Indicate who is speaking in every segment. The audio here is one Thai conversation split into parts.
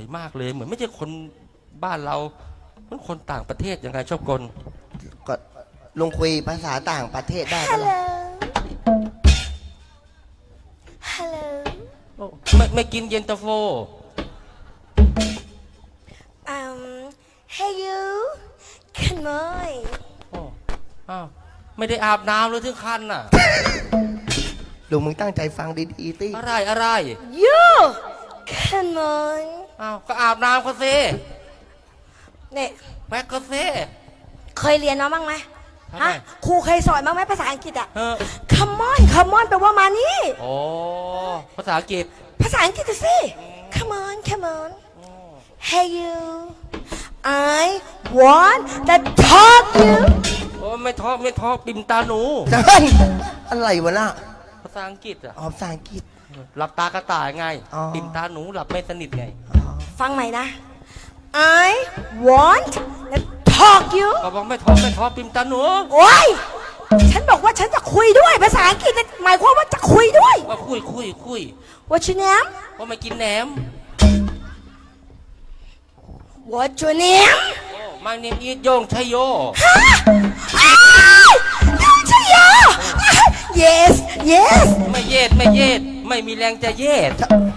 Speaker 1: มากเลยเหมือนไม่ใช่คนบ้านเราเหมือนคนต่างประเทศยังไงชอบกล
Speaker 2: ก็ลุงคุยภาษาต่างประเทศได้ไหม
Speaker 3: Hello
Speaker 2: ล่ะ
Speaker 3: Hello
Speaker 1: ไม่กินเย็นตาโฟ
Speaker 3: Hey you Come on
Speaker 1: โอ้อ้าวไม่ได้อาบน้ำเลยถึงคันน่ะ
Speaker 2: ลุงมึงตั้งใจฟังดีๆติ
Speaker 1: อะไร
Speaker 3: You Come on
Speaker 1: อ้าวก็อาบน้ำก็เซ่
Speaker 3: เนี่ย
Speaker 1: แม็กก็เซ่
Speaker 3: เคยเรียนมาบ้างไหม
Speaker 1: ทำไม
Speaker 3: ฮะครูเคยสอนบ้างไหมภาษาอังกฤษอะ
Speaker 1: เออ
Speaker 3: Come on Come on แปลว่ามานี่
Speaker 1: โอ้ภาษาอังกฤษ
Speaker 3: ภาษาอังกฤษสิ Come on Come on Hey you I want to talk you
Speaker 1: โอ้ไม่ท้อปิมตาหนู
Speaker 2: ได้อะไรวะน่ะ
Speaker 1: ภาษาอังกฤษอ่ะ
Speaker 2: อ๋อภาษาอังกฤษ
Speaker 1: หลับตากระต่ายไง
Speaker 2: อ๋อ
Speaker 1: ปิมตาหนูหลับไม่สนิทไง
Speaker 3: ฟังใหม่นะ I want to talk you
Speaker 1: ก็บอกไม่ท้อปิมตาหนู
Speaker 3: โอ้ย ฉันบอกว่าฉันจะคุยด้วย ภาษาอังกฤษเนี่ยหมายความว่าจะคุยด้วย
Speaker 1: ว่าคุย
Speaker 3: What's your name
Speaker 1: ว่าไม่กินแหนม
Speaker 3: What's your name
Speaker 1: โอ้มาเนมอีทโยงชัยโย
Speaker 3: อ้าวยูชยา Yes Yes
Speaker 1: ไม่เยดไม่มีแรงจะเยด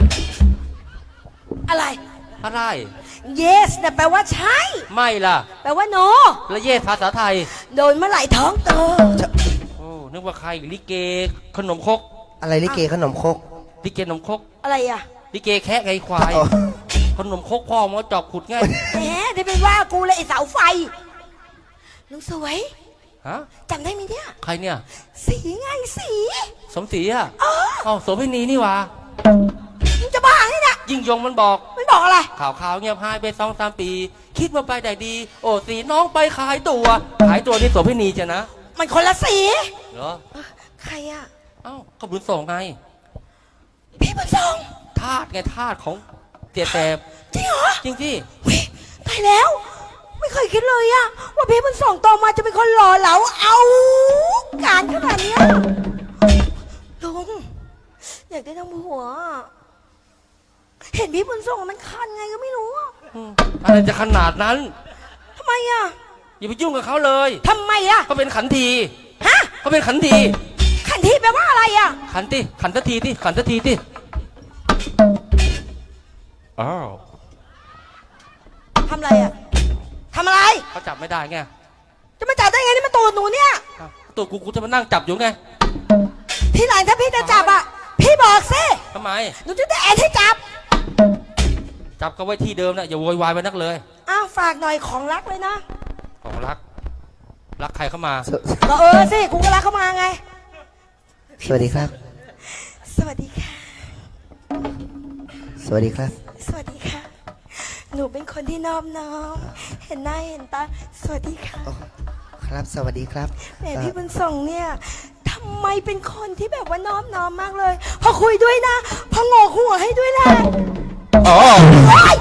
Speaker 3: อะไร
Speaker 1: อะไร
Speaker 3: Yes นะแปลว่าใช่
Speaker 1: ไม่ล่ะ
Speaker 3: แปลว่า no
Speaker 1: แล้วเยดภาษาไทย
Speaker 3: โดนเมื่อไหร่ท้องโต
Speaker 1: โอ้นึกว่าใครลิเกขนมครก
Speaker 2: อะไรลิเกขนมครก
Speaker 1: ลิเกขนมครก
Speaker 3: อะไรอ่ะ
Speaker 1: ลิเกแคะไงควาย
Speaker 2: อ๋อ
Speaker 1: ขนมครกพ่อมาจอบขุดไง
Speaker 3: แหมได้เป็นว่ากูเลยไอเสาไฟลุงสวย
Speaker 1: ฮะ
Speaker 3: จำได้ไหมเนี่ย
Speaker 1: ใครเนี่ย
Speaker 3: สีไงสี
Speaker 1: สมศรีอ่ะ
Speaker 3: เออ
Speaker 1: เอ้าโสเภณีนี่หว่า
Speaker 3: มึงจะบ้าไงเนี่ย
Speaker 1: ยิ่งยงมันบอก
Speaker 3: มันบอกอะไร
Speaker 1: ข่าวเงียบหายไป2-3 ปี คิดว่าไปได้ดี โอ้สีน้องไปขายตัวนี่โสเภณีจะนะ
Speaker 3: มันคนละสี
Speaker 1: เหรอ
Speaker 3: ใครอ่ะ
Speaker 1: เอ้าก็บุญส่งไง
Speaker 3: พี่บุญทรง
Speaker 1: ทาสของเตียแสบ
Speaker 3: จริงเหรอ
Speaker 1: จริงที่
Speaker 3: วิตายแล้ว ไม่เคยคิดเลยอะว่าพี่บุญส่งโตมาจะเป็นคนหล่อเหลาเอาการขนาดเนี้ยลุงอยากได้ทั้งผัวอะเห็นพี่บุญส่งมันคันไงก็ไม่รู้อะ
Speaker 1: อะไรจะขนาดนั้น
Speaker 3: ทำไมอะ
Speaker 1: อย่าไปยุ่งกับเขาเลย
Speaker 3: ทำไมอะ
Speaker 1: เขาเป็นขันที
Speaker 3: ฮะ
Speaker 1: เขาเป็นขันที
Speaker 3: ขันทีแปลว่าอะไรอะ
Speaker 1: ขันสักทีอ้าว
Speaker 3: ทำอะไรอะทำอะไร
Speaker 1: เขาจับไม่ได้ไง
Speaker 3: จะมาจับได้ไงนี่มันตูดหนูเนี่ย
Speaker 1: อ้าวตัวกูจะมานั่งจับอยู่ไง
Speaker 3: ทีหลังถ้าพี่จะจับอะพี่บอกสิ
Speaker 1: ทำไม
Speaker 3: หนูจะได้แอนให้จับ
Speaker 1: จับก็ไว้ที่เดิมนะอย่าโวยวายไปนักเลย
Speaker 3: อ้าวฝากหน่อยของรักเลยนะ
Speaker 1: ของรักใครเข้ามา
Speaker 3: ก็สิกูก็รักเข้ามาไง
Speaker 2: สวัสดีครับ
Speaker 3: สวัสดีค่ะ
Speaker 2: สวัสดีครับ
Speaker 3: สวัสดีค่ะ หนูเป็นคนที่นอบน้อม เห็นหน้าเห็นตา สวัสดีค่ะ
Speaker 2: ครับสวัสดีครับ
Speaker 3: แหมพี่บุญส่งเนี่ยทำไมเป็นคนที่แบบว่านอบน้อมมากเลย พอคุยด้วยนะพอโงกหัวให้ด้วยนะ
Speaker 2: อ๋อ
Speaker 3: โอ๊ย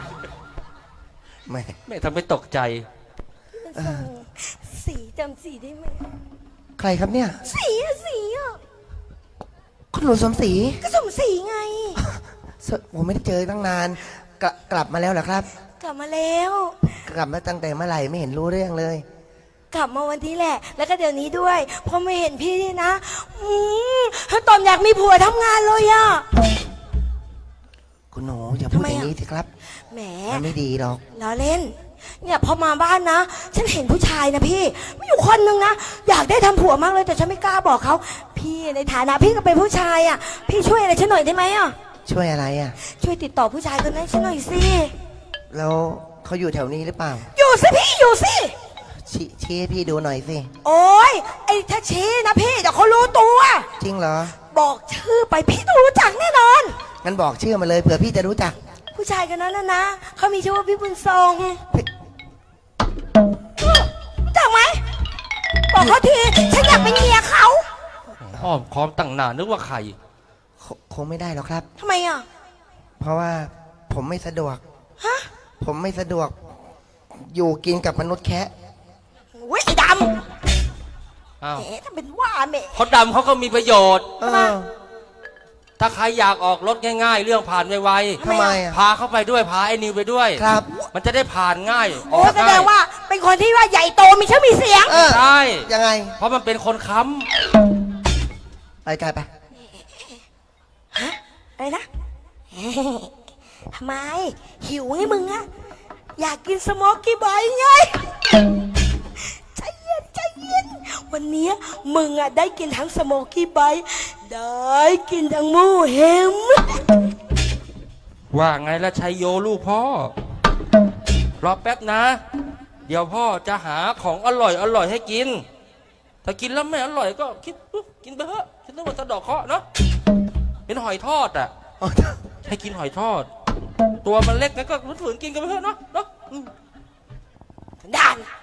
Speaker 1: ไม่ทำให้ตกใจ
Speaker 3: พี่บุญส่งสีจำสีได้ไหม
Speaker 2: ใครครับเนี่ย
Speaker 3: สีอะสีอะ
Speaker 2: คุณหนูสมศรี
Speaker 3: ก็สมสีไง
Speaker 2: ผมไม่ได้เจอตั้งนาน กลับมาแล้วเหรอครับ
Speaker 3: กลับมาแล้ว
Speaker 2: กลับมาตั้งแต่เมื่อไหร่ไม่เห็นรู้เรื่องเลย
Speaker 3: กลับมาวันนี้แหละ แล้วก็เดี๋ยวนี้ด้วยพอไม่เห็นพี่นี่นะตอมอยากมีผัวทำงานเลยอะ
Speaker 2: คุณหนูอย่าพูด
Speaker 3: ทำไม
Speaker 2: อย่าง
Speaker 3: อ่ะ
Speaker 2: นี้สิครับ
Speaker 3: แหม
Speaker 2: มันไม่ดีหรอก
Speaker 3: ล้อเล่น เนี่ยพอมาบ้านนะ ฉันเห็นผู้ชายนะพี่มีอยู่คนนึงนะอยากได้ทำผัวมากเลยแต่ฉันไม่กล้าบอกเขาพี่ในฐานะพี่ก็เป็นผู้ชายอ่ะพี่ช่วยอะไรฉันหน่อยได้ไหมอ่ะ
Speaker 2: ช่วยอะไรอ่ะ
Speaker 3: ช่วยติดต่อผู้ชายคนนั้นฉันหน่อยสิ
Speaker 2: แล้วเขาอยู่แถวนี้หรือเปล่า
Speaker 3: อยู่สิพี่อยู่สิ
Speaker 2: ชี้ให้พี่ดูหน่อยสิ
Speaker 3: โอ๊ยไอ้ถ้าชี้นะพี่เดี๋ยวเขารู้ตัว
Speaker 2: จริงเหรอ
Speaker 3: บอกชื่อไปพี่ต้องรู้จักแน่นอน
Speaker 2: งั้นบอกชื่อมาเลยเผื่อพี่จะรู้จัก
Speaker 3: ผู้ชายคนนั้นนะเขามีชื่อว่าพี่บุญทรง จักไหมบอกเขาทีฉันอยากเป็นเมียเขา
Speaker 1: อ้อมค้อมตั้งนานนึกว่าใคร
Speaker 2: คงไม่ได้หรอกครับ
Speaker 3: ทำไมอ่ะ
Speaker 2: เพราะว่าผมไม่สะดวก
Speaker 3: ฮะ
Speaker 2: ผมไม่สะดวก อยู่กินกับมนุษย์แคะ
Speaker 3: เว้ยไอ้ด
Speaker 1: อ้าว
Speaker 3: ำแหมถ้าเป็นว่าแหม
Speaker 1: เขาดำเขาก็มีประโยชน์
Speaker 2: เออ
Speaker 1: ทถ้าใครอยากออกรถง่ายๆ เรื่องผ่านไว
Speaker 2: ทำไมอ่ะ
Speaker 1: ๆพาเข้าไปด้วยพาไอ้นิวไปด้วย
Speaker 2: ครับ
Speaker 1: มันจะได้ผ่านง่ายอ
Speaker 3: โอ้
Speaker 1: อก
Speaker 3: แสด
Speaker 1: ง่าย
Speaker 3: งว่าเป็นคนที่ว่าใหญ่โตมีชื่อมีเสียง
Speaker 2: เออ
Speaker 1: ใช่
Speaker 2: ยังไง
Speaker 1: เพราะมันเป็นคนค้
Speaker 2: ไปไกลไป
Speaker 3: อะไรนะ ทำไม หิวไงมึงอะอยากกินสโมกกี้บอยไง ใจเย็นใจเย็น วันนี้มึงอะได้กินทั้งสโมกกี้บอยได้กินทั้งหมูเห็ม
Speaker 1: ำว่าไงละชัยโยลูกพ่อ รอแป๊บนะ เดี๋ยวพ่อจะหาของอร่อยให้กิน ถ้ากินแล้วไม่อร่อยก็คิดกินไปเถอะคิดว่าสะดอกเคราะห์เนาะเป็นหอยทอดอ่ะ ให้กินหอยทอด ตัวมันเล็กนะก็ฝืนๆกินกันไปเถอะเนาะ
Speaker 3: ด่าน